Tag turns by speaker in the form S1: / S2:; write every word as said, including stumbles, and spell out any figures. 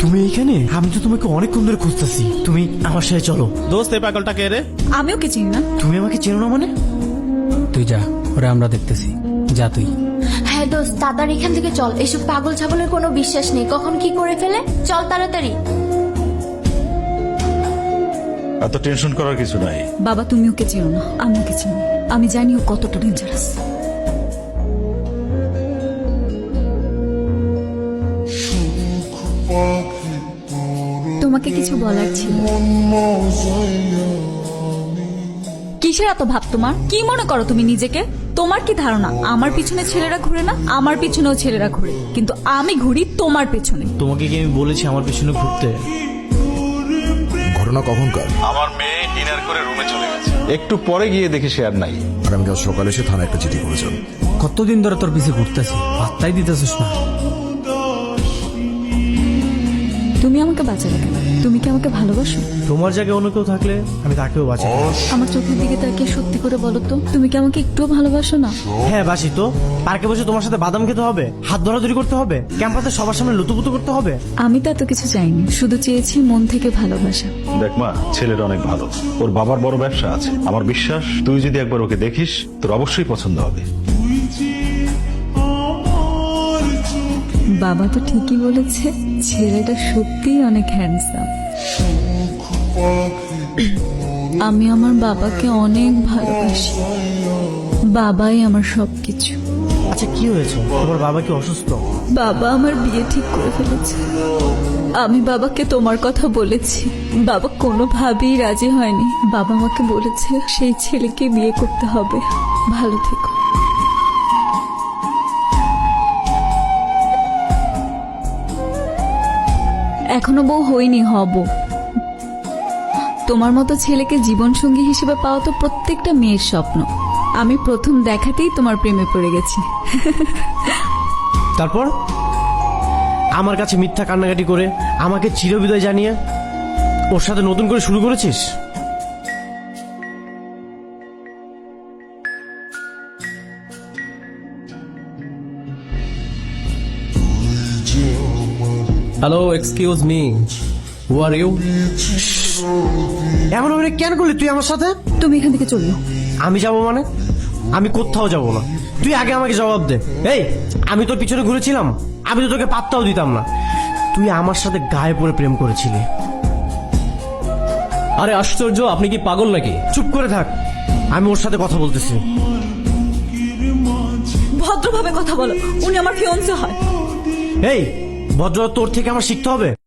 S1: তুমি এইখানে? আমি তো তোমাকে অনেকক্ষণ ধরে খুঁজতেছি। তুমি আমার সাথে চলো।
S2: দোস্ত এই পাগলটা কে রে?
S3: আমি ওকে চিনি না।
S1: তুমি আমাকে চেনো না মানে?
S4: তুই যা, ওরা আমরা দেখতেছি। যা তুই।
S5: হ্যাঁ দোস্ত, তাড়াতাড়ি এখান থেকে চল। এসব পাগল ছাগলের কোনো বিশ্বাস নেই, কখন কি করে ফেলে। চল তাড়াতাড়ি।
S6: এত টেনশন করার কিছু নাই।
S3: বাবা তুমি ওকে চিনো না, আমি ওকে চিনি। আমি জানি ও কতটা ডেঞ্জারাস। তোমাকে কিছু বলার ছিল। কিসের এত ভাব তোমার? কি মনে করো তুমি নিজেকে? তোমার কি ধারণা আমার পিছনে ছেলেরা ঘুরে না? আমার পিছনেও ছেলেরা ঘুরে, কিন্তু আমি ঘুরি তোমার পেছনে।
S1: তোমাকে কি আমি বলেছি আমার পিছনে ঘুরতে?
S7: ঘটনা কখনকার?
S6: আমার মেয়ে ডিনার করে রুমে চলে গেছে, একটু পরে গিয়ে দেখি সে আর নাই।
S7: আগামীকাল সকালে এসে থানায় একটা চিঠি করেছেন।
S4: কতদিন ধরে তোর পিছে ঘুরতেছি, পাত্তাই দিতেছিস না।
S3: তুমি আমাকে বাঁচালে কেন? তুমি কি আমাকে ভালোবাসো?
S1: তোমার জায়গায় অন্য কেউ থাকলে আমি তাকেও বাঁচাই।
S3: আমার চোখের দিকে তাকিয়ে সত্যি করে বলো তো, তুমি কি আমাকে একটুও ভালোবাসো না?
S1: হ্যাঁ বাসি তো। পার্কে বসে তোমার সাথে বাদাম খেতে হবে, হাত ধরাধরি করতে হবে, ক্যাম্পাসে সবার সামনে লুতুপুতু করতে হবে।
S3: আমি তো এত কিছু চাইনি, শুধু চেয়েছি মন থেকে ভালোবাসা।
S6: দেখ মা, ছেলেটা অনেক ভালো, ওর বাবার বড় ব্যবসা আছে। আমার বিশ্বাস তুই যদি একবার ওকে দেখিস তোর অবশ্যই পছন্দ হবে।
S3: বাবা তো ঠিকই বলেছে, ছেলেটা সত্যিই অনেক হ্যান্ডসাম। আমি আমার বাবাকে অনেক ভালোবাসি। বাবাই আমার সবকিছু।
S1: আচ্ছা কি হয়েছে? তোমার বাবা কি অসুস্থ?
S3: বাবা আমার বিয়ে ঠিক করে ফেলেছে। আমি বাবাকে তোমার কথা বলেছি, বাবা কোনোভাবেই রাজি হয়নি। বাবা আমাকে বলেছে সেই ছেলেকে বিয়ে করতে হবে। ভালো থেকো। এখনো বউ হইনি, হব। তোমার মতো ছেলেকে জীবনসঙ্গী হিসেবে পাওয়া তো প্রত্যেকটা মেয়ের স্বপ্ন। আমি প্রথম দেখাতেই তোমার প্রেমে পড়ে গেছি।
S1: তারপর আমার কাছে মিথ্যা কান্নাকাটি করে আমাকে চিরবিদায় জানিয়ে ওর সাথে নতুন করে শুরু করেছিস?
S2: Hello, excuse me, who are you?
S1: এমন অভিনয় কেন করলি তুই আমার সাথে?
S3: তুমি এখান থেকে চললো।
S1: আমি যাব মানে? আমি কোথাও যাব না। তুই আগে আমাকে জবাব দে। এই, আমি তোর পিছনে ঘুরেছিলাম? আমি তো তোকে পাত্তাও দিতাম না। তুই আমার সাথে গায়ে পড়ে প্রেম করেছিলি।
S2: আরে আশ্চর্য, আপনি কি পাগল নাকি?
S1: চুপ করে থাক, আমি ওর সাথে কথা বলতেছি।
S3: ভদ্রভাবে কথা বলো, উনি আমার ফিয়ন্সে হয়।
S1: এই, ভদ্রতা তোর থেকে আমার শিখতে হবে।